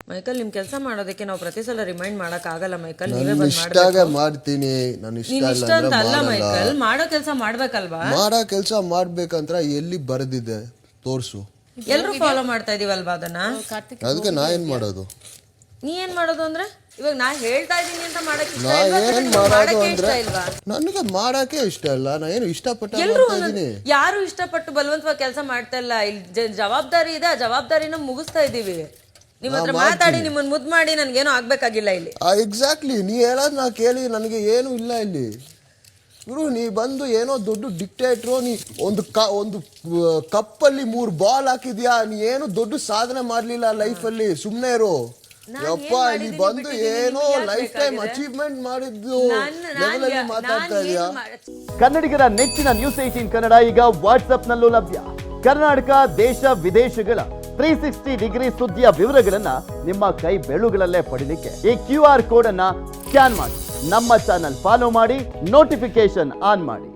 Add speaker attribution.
Speaker 1: Michael ನಿಮ್ ಕೆಲಸ ಮಾಡೋದಕ್ಕೆ ನಾವು ಪ್ರತಿ ಸಲ ರಿಮೈಂಡ್ ಮಾಡಕ್ ಆಗಲ್ಲ ಮೈಕಲ್. ನೀವೇ
Speaker 2: ನಾನು
Speaker 1: ಬಂದ್
Speaker 2: ಇಷ್ಟಾಗೆ ಮಾಡ್ತೀನಿ. ನಾನು ಇಷ್ಟ
Speaker 1: ನೀನ್
Speaker 2: ಇಲ್ಲ
Speaker 1: ಇಷ್ಟ ಅಂತ
Speaker 2: ಅಂದ್ರೆ
Speaker 1: ಅಲ್ಲ
Speaker 2: ಮಾಡಲ್ಲ.
Speaker 1: ಮೈಕಲ್, ಮಾಡೋ ಕೆಲಸ ಮಾಡ್ಬೇಕಲ್ವಾ?
Speaker 2: ಮಾಡೋ ಕೆಲಸ ಮಾಡ್ಬೇಕಂತ ಎಲ್ಲಿ ಬರೆದಿದೆ ತೋರ್ಸು.
Speaker 1: ಎಲ್ರು ಫಾಲೋ ಮಾಡ್ತಾ ಇದೀವಲ್ವಾ ಅದನ್ನ.
Speaker 2: ಅದಕ್ಕೆ ನಾ ಏನ್ ಮಾಡೋದು?
Speaker 1: ನೀ ಏನ್ ಮಾಡೋದು ಅಂದ್ರೆ ಇವಾಗ ನಾ ಹೇಳ್ತಾ ಇದೀನಿ ಅಂತ ಮಾಡಕ್ ಇಷ್ಟ
Speaker 2: ನಾ
Speaker 1: ಇಲ್ವಾ?
Speaker 2: ಏನ್
Speaker 1: ಅಥವಾ
Speaker 2: ಮಾಡೋದು
Speaker 1: ಮಾಡಕ್ಕೆ
Speaker 2: ಅಂದ್ರೆ
Speaker 1: ಇಷ್ಟ ಇಲ್ವಾ?
Speaker 2: ನನಗೆ ಮಾಡಕ್ಕೆ ಇಷ್ಟ ಇಲ್ಲ. ನಾ ಏನು ಇಷ್ಟಪಟ್ಟು
Speaker 1: ಎಲ್ರು
Speaker 2: ಮಾಡ್ತಾ ಇದೀನಿ.
Speaker 1: ಯಾರು ಇಷ್ಟಪಟ್ಟು ಬಲವಂತವಾಗಿ ಕೆಲಸ ಮಾಡ್ತಾ ಇಲ್ಲ. ಇಲ್ಲಿ ಜವಾಬ್ದಾರಿ ಇದೆ, ಆ ಜವಾಬ್ದಾರಿನ ಮುಗಿಸ್ತಾ ಇದೀವಿ. ನಿಮ್ಮ ಹತ್ರ ಮಾತಾಡಿ ನಿಮ್ಮನ್ನ ಮುದ್ದು ಮಾಡಿ ನನ್ಗೇನು ಆಗ್ಬೇಕಾಗಿಲ್ಲ ಇಲ್ಲಿ.
Speaker 2: ಎಕ್ಸಾಕ್ಟ್ಲಿ, ನೀ ಹೇಳೋದ್ ನಾ ಕೇಳಿ ನನಗೆ ಏನು ಇಲ್ಲ ಇಲ್ಲಿ. ಗುರು, ನೀ ಬಂದು ಏನೋ ದೊಡ್ಡ ಡಿಕ್ಟೇಟ್ರು. ನೀ ಒಂದು ಕಪ್ಪಲ್ಲಿ 3 ಬಾಲ್ ಹಾಕಿದ್ಯಾ. ನೀ ಏನು ದೊಡ್ಡ ಸಾಧನೆ ಮಾಡ್ಲಿಲ್ಲ ಲೈಫಲ್ಲಿ. ಸುಮ್ನೆ ಇರು ಯಪ್ಪ. ಇಲ್ಲಿ ಬಂದು ಏನೋ ಲೈಫ್ ಟೈಮ್ ಅಚೀವ್ಮೆಂಟ್ ಮಾಡಿದ್ದು ಲೆವೆಲಲ್ಲಿ ಮಾತಾಡ್ತಾ ಇದೀಯಾ.
Speaker 3: ಕನ್ನಡಿಗರ ನೆಚ್ಚಿನ ನ್ಯೂಸ್ 18 ಕನ್ನಡ ಈಗ ವಾಟ್ಸ್ಆಪ್ನಲ್ಲೂ ಲಭ್ಯ. ಕರ್ನಾಟಕ, ದೇಶ ವಿದೇಶಗಳ 360 ಡಿಗ್ರಿ ಸುದ್ದಿಯ ವಿವರಗಳನ್ನ ನಿಮ್ಮ ಕೈ ಬೆಳುಗಳಲ್ಲೇ ಪಡಿಲಿಕ್ಕೆ ಈ QR ಕೋಡ್ ಅನ್ನ ಸ್ಕ್ಯಾನ್ ಮಾಡಿ, ನಮ್ಮ ಚಾನಲ್ ಫಾಲೋ ಮಾಡಿ, ನೋಟಿಫಿಕೇಶನ್ ಆನ್ ಮಾಡಿ.